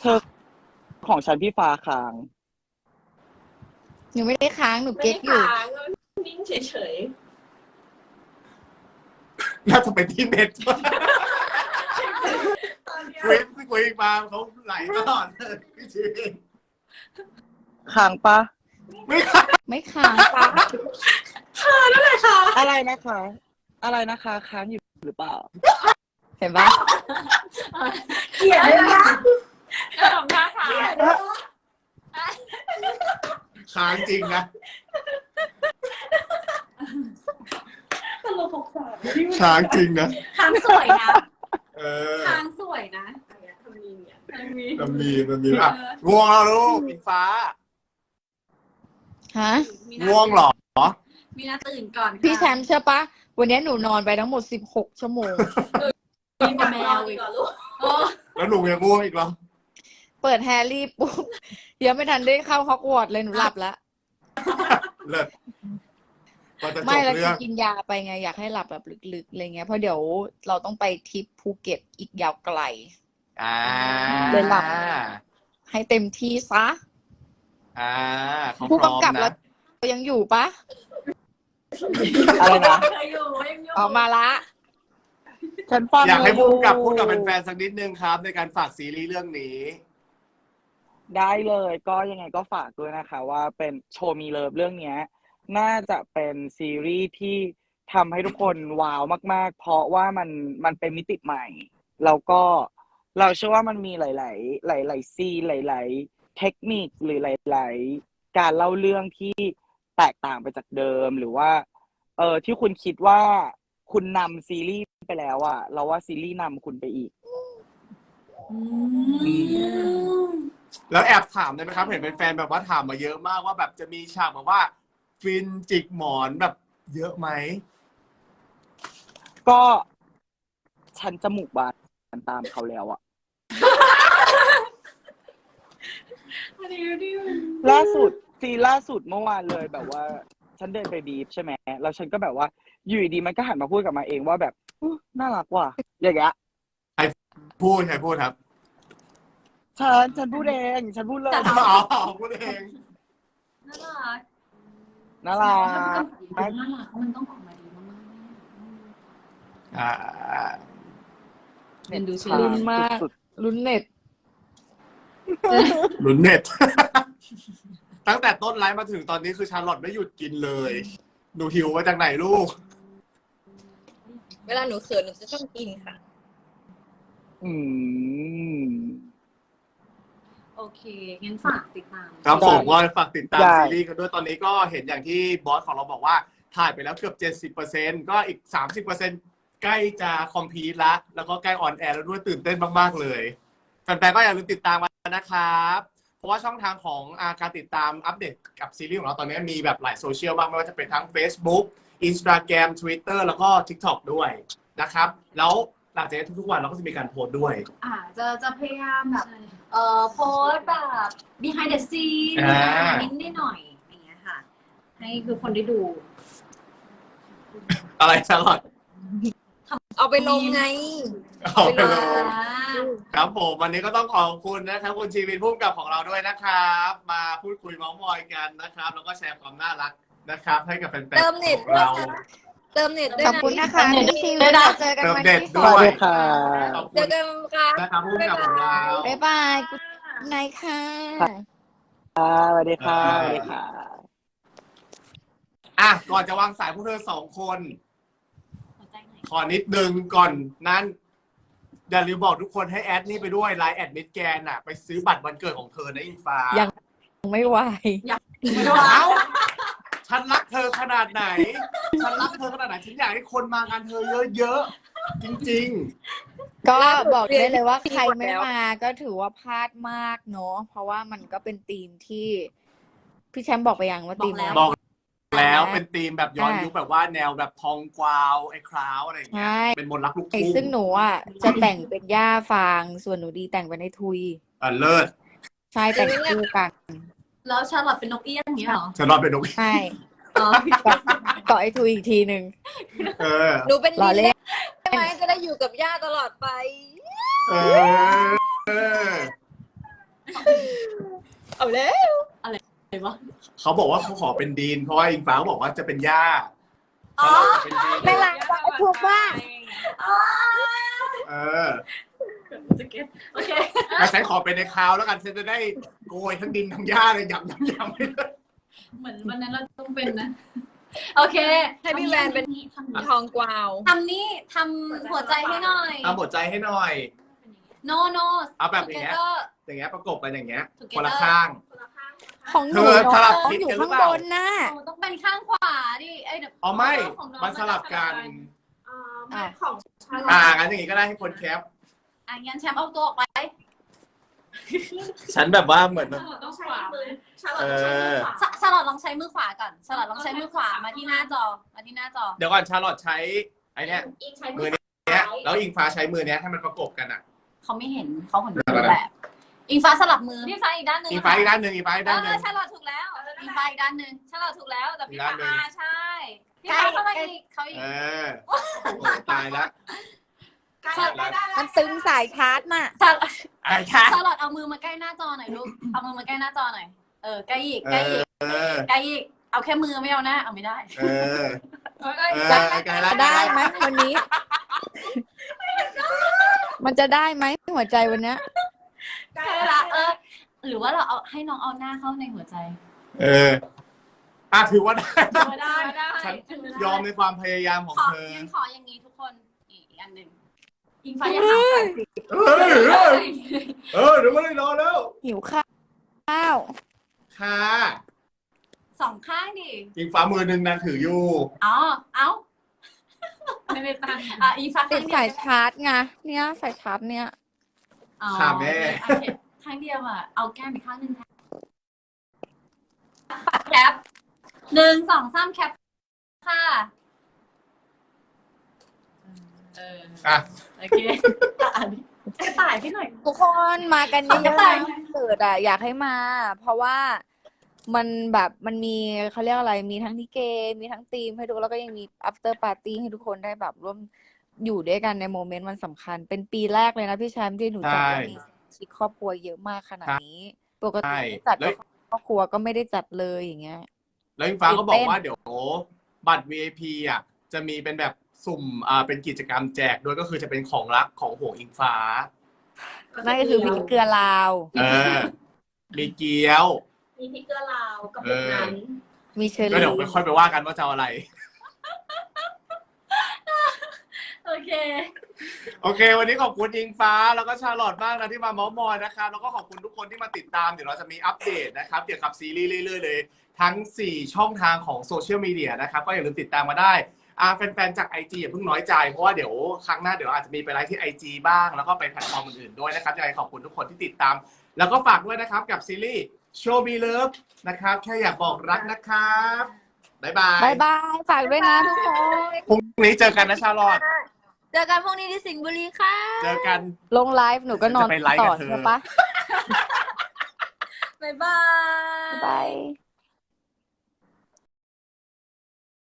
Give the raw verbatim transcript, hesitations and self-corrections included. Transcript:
เธอของฉันพี่ฟ้าค้างหนูไม่ได้ค้างหนูไม่เก๊ได้กอยู่ค้างนิ่งเฉยน่าจะเป็นที่เน็ตๆตอนเนี้ยคุยคุยมาเขาไหลตลอดเลยพี่ชีวินค้างปะไม่ค่ะไม่ค้างปะค่ะนั่นแหละค่ะอะไรนะคะ อะไรนะคะค้างอยู่หรือเปล่าเห็นปะเกลียดเลยนะทำท่าทางค้างจริงนะตลกหกสามค้างจริงนะค้างสวยนะเออค้างสวยนะทำมีเนี่ยทำมีมันมีมันมีอ่ะง่วงแล้วลูกอิงฟ้าฮะง่วงเหรอมีนาตื่นก่อนค่ะพี่แชมป์เชื่อปะวันนี้หนูนอนไปทั้งหมดสิบหกชั่วโมงมีกับแมวอีกเหรอลูกโอ้แล้วหนูยังง่วงอีกเหรอเปิดแฮร์รี่ปุ๊บยังไม่ทันได้เข้าฮอกวอตส์เลยหนูหลับแล้วเลิศก็จะจไม่บแล้วเรื่องกินยาไปไงอยากให้หลับแบบลึกๆอะไรเงี้ยเพราะเดี๋ยวเราต้องไปทริปภูเก็ตอีกยาวไกลอ่าเลยหลับ ให้เต็มที่ซะอ่าเขาผู้พร้อมกำกับเรานะยังอยู่ปะอะไรนะเคยอยู่ยังอยู่ออกมาละฉันฟังอยากให้อผู้ยู่กำกับพูดกับแฟนๆสักนิดนึงครับ ในการฝากซีรีส์เรื่องนี้ได้เลยก็ยังไงก็ฝากด้วยนะคะ ว่าเป็นโชว์มีเลิฟเรื่องเนี้ย น่าจะเป็นซีรีส์ที่ทำให้ทุกคนว้าวมากๆ เพราะว่ามันมันเป็นมิติใหม่ แล้วก็เราเชื่อว่ามันมีหลาย ๆ หลาย ๆ ซีนหลาย ๆ เทคนิคหรือหลาย ๆ การเล่าเรื่องที่แตกต่างไปจากเดิม หรือว่า เออที่คุณคิดว่าคุณนำซีรีส์ไปแล้วอะเราว่าซีรีส์นำคุณไปอีกอืมแล้วแอบถามได้ไหมครับ เห็นเป็นแฟนแบบว่าถามมาเยอะมากว่าแบบจะมีฉากแบบว่า ฟินจิกหมอนแบบเยอะไหมก็ฉันจมูกบานตามเขาแล้วอะอันนี้ดิล่าสุดซีนล่าสุดเมื่อวานเลยแบบว่า ฉันเดินไปบีฟใช่ไหมแล้วฉันก็แบบว่าอยู่ดีๆมันก็หันมาพูดกับมาเองว่าแบบอุ๊ยน่ารักว่ะอย่างเงี้ยพูดใครพูดครับฉันฉันพูดเองฉันพูดเลยอ๋อพูดเองน่ารักน่ารักน่ารักมันต้องออกมาดีมากอ่าๆเป็นดูซีลุ้รีนส์มากสุดลุ้นเน็ตลุ้นเน็ต ตั้งแต่ต้นไลฟ์มาถึงตอนนี้คือชาร์ลอตไม่หยุดกินเลยหนูหิวมาจากไหนลูกเวลาหนูเขินหนูจะต้องกินค่ะๆอืมโอเคงั้นฝากติดตามครับได้ผมก็ฝากติดตามได้ซีรีส์กันด้วยตอนนี้ก็เห็นอย่างที่บอสของเราบอกว่าถ่ายไปแล้วเกือบ เจ็ดสิบเปอร์เซ็นต์ ก็อีก สามสิบเปอร์เซ็นต์ ใกล้จะคอมพลีทละแล้วก็ใกล้ออนแอร์แล้วด้วยตื่นเต้นมากๆเลยแฟนๆก็อย่าลืมติดตามกันนะครับเพราะว่าช่องทางของอาการติดตามอัปเดตกับซีรีส์ของเราตอนนี้มีแบบหลายโซเชียลมากไม่ว่าจะเป็นทั้ง Facebook Instagram Twitter แล้วก็ TikTok ด้วยนะครับแล้วหลังจากนี้ทุกๆวันเราก็จะมีการโพสต์ด้วยอ่าจะจะพยายามแบบเอ่อโพสต์แบบ behind the scene อ่านิดนิดหน่อยอย่างเงี้ยค่ะ ให้คือคนได้ดูอะไรชาร์ลอตเอาไปลงไงเอาไปเลยอ่าครับผมวันนี้ก็ต้องขอบคุณนะครับคุณชีวินผู้กำกับของเราด้วยนะครับ มาพูดคุยเม้าท์มอยกันนะครับ แล้วก็แชร์ความน่ารักนะครับ ให้กับแฟนๆเติมเน็ตของเราด้วยค่ะ เติมเน็ตด้วยขอบนะคุณนะคะพี่ชีวิตเราเจอกันใหม่ที่เติสมองเน็ตด้วยสวัสดีค่ะขอบเจคุอณกันค่ะนะครับผู้กำกับของเราบ๊ายบายกุ๊ดไนท์ค่ะค่ะสวัสดีค่ะสวัสดีค่ะอ่ะก่อนจะวางสายพวกเธอสองคนหัวใจหน่อยขอนิดนึงก่อนนั้นอย่าลืมบอกทุกคนให้แอดนี่ไปด้วยไลน์แอดมิดแกนอ่ะ ไปซื้อบัตรวันเกิดของเธอนะอิงฟ้ายัง ไม่ไหวไม่ต้องเอ้าฉันรักเธอขนาดไหน ฉันรักเธอขนาดไหน ฉันอยากให้คนมางานเธอเยอะๆ จริงก็บอกได้เลยว่าใครไม่มาก็ถือว่าพลาดมากเนาะเพราะว่ามันก็เป็นธีมที่พี่แชมป์บอกไปยังว่าธีมอะไรๆ บอกแล้วเป็นธีมแบบย้อนอ่ายุยุคแบบว่าแนวแบบทองกวาวไอ้คราวอะไรอย่างเงี้ยใช่เป็นมนต์รักลูกไอ้ทุ่งซึ่งหนูอ่ะจะแต่งเป็นย่าฟาง ส่วนหนูดีแต่งเป็นไอ้ทุยอ่ะเลิศใช่แต่งคู่กันแล้วชาลอตเป็นนกเอี้ยงอย่างเงี้ยเหรอฉันรอดเป็นนกใช่อ๋อเกาะไอ้ทุยอีกทีหนึ่งเออหนูเป็นรอลิเล่นนได้ไหมจะได้อยู่กับย่าตลอดไปเออ เออเอาแล้วอะไรวะเขาบอกว่าเขาขอเป็นดีนเพราะว่าอิงฟ้าบอกว่าจะเป็นย่าอ๋อถ้าเราจะเป็นดีนไม่รักว่าถูกว่าเออจะเก็ตโอเคแต่ฉันขอเป็นในคราวแล้วกันฉันจะได้โกยทั้งดินทั้งหญ้าเลยยำยำยำไปเลยเหมือนวันนั้นเราต้องเป็นนะ โอเคให้พี่แวนเป็นทำนี้ทองกวาวทำนี้ทำหัวใจให้หน่อยเอาหัวใจให้หน่อย no no เอาแบบอย่างเงี้ย together อย่างเงี้ยประกบกันอย่างเงี้ย Together คนละข้างของหนูเธอสลับน้องทิศอยู่กันหรือข้างเปบล่านน่ะโอ้ต้องเป็นข้างขวาดิไอ้เดี๋ยวอ๋อไม่ขององมันสลับกันอ่ะของชาลออ่าตงั้นอย่างงี้ก็ได้ให้คนแคปอ่ะงั้นแชมป์เอาตัวออกไปฉันแบบว่าเหมือนต้องใช้มือเออชาลอตลองใช้มือขวาก่อนชาลอตลองใช้มือขวามาที่หน้าจอมาที่หน้าจอเดี๋ยวก่อนชาลอตใช้ไอเนี้ย มือเนี้ยแล้วอิงฟ้าใช้มือเนี้ยให้มันประกบกันอ่ะเขาไม่เห็นเขาเห็นรูปแบบ อิงฟ้าสลับมือพี่ฟ้าอีกด้านหนึ่งอิงฟ้าอีกด้านหนึ่งอิงฟ้าอีกเอด้านหนึ่อง ชาลอตถูกแล้วอิงฟ้าอีกด้านหนึ่งชาลอตถูกแล้วแต่พี่ฟ้าอีกด้านหนึ่งอ่าใช่พี่ฟ้าเข้ามาอีกเขาอีกเออโอ้โหตายแล้วมันตึงสายชาร์จน่ะชาไอ้ค่ะชาลอตเอามือมาใกล้หน้าจอหน่อยลูกเอามือมาใกล้หน้าจอหน่อยเออใกล้อีกเอใกล้อีอก เออใกล้อีกเอาแค่มือไม่เอาหน้าเอาไม่ได้เออเอาใกล้เออีอกใกล้ไกลแล้วได้ไหมวันนี้ มันจะได้ไหมหัวใจวันเนี้ยใกล้ละเออหรือว่าเราเอาให้น้องเอาหน้าเข้าในหัวใจเอออ่ะถือว่าได้ได้ได้ฉันยอมในความพยายามของขอเธอยังขออย่างนี้ทุกคนอีกอันหนึ่งอิงฟ้าอย่าหาใส่สิเฮ้ยเฮ้ยเออเดี๋ยวไม่ได้รอแล้วหิวข้าวค่ะสองข้างดิอิงฟ้ามือหนึ่งนางถืออยู่อ๋อ เอาไม่ได้ตั้งอ่ะอีฟ้าติข้าดงเดีสาวยชาร์จไงเนี่ยสายชาร์จเนี่ยอ๋อค่ะแม่โอเคข้างเดียวอ่ะ เอาแก้มอีกข้างหนึ่งแทนปัดแคปหนึ่งสองสามแคปค่ะ เอออ่ะโอเคอ่านกระต่ายพี่หน่อยทุกคนมากันเยขอกระอะๆต่ายนะวันเกิดอ่ะอยากให้มา เพราะว่ามันแบบมันมีเขาเรียกอะไรมีทั้งลิเกมีทั้งธีมให้ดูแล้วก็ยังมี after party ให้ทุกคนได้แบบร่วมอยู่ด้วยกันในโมเมนต์วันสำคัญ เป็นปีแรกเลยนะพี่แชมป์ที่หนูจัดใช่แล้วมีชิคครอบครัวเยอะมากขนาดนี้ ปกใช่ติไม่จัดแล้กับวครอบครัวก็ไม่ได้จัดเลยอย่างเงี้ยแล้วอิงฟ้าก็บอตื่กนเต้นว่าเดี๋ยวบัตร วี ไอ พี อ่ะ จะมีเป็นแบบสุ่มอ่าเป็นกิจกรรมแจกด้วยก็คือจะเป็นของรักของห่วงอิงฟ้านั่นก็คือพริกเกลือลาวเออ มีเกี๊ยวมีพริกเกลือลาวกับปุกนั้นมีเชอก็รี่เดี๋ยวค่อยไปว่ากันว่าจะเอาอะไรโอเคโอเค วันนี้ขอบคุณอิงฟ้าแล้วก็ชาลอตมากนะที่มาเม้าท์มอยนะครับแล้วก็ขอบคุณทุกคนที่มาติดตามเดี๋ยวเราจะมีอัปเดตนะครับเกี่ยวกับซีรีส์เรื่อยๆเลย ทั้งสี่ช่องทางของโซเชียลมีเดียนะครับก็อย่าลืมติดตามมาได้อ่าแฟนๆจาก ไอ จี อย่าเพิ่งน้อยใจเพราะว่าเดี๋ยวครั้งหน้าเดี๋ยวอาจจะมีไปไลฟ์ที่ ไอ จี บ้างแล้วก็ไปแพลตฟอร์มอื่นๆด้วยนะครับยังไงขอบคุณทุกคนที่ติดตาม แล้วก็ฝากด้วยนะครับกับซีรีส์ Show Me Love นะครับแค่อยากบอกรักนะครับบ๊ายบายบายบาย ฝากด้วยนะทุกคนพรุ่งนี้เจอกันนะชาลอตเจอกันพรุ่งนี้ที่สิงห์บุรีค่ะเจอกันลงไลฟ์หนูก็นอนจะไปไลฟ์ต่กัอบเธอใช่ปะบ๊ายบายบ๊ายบาย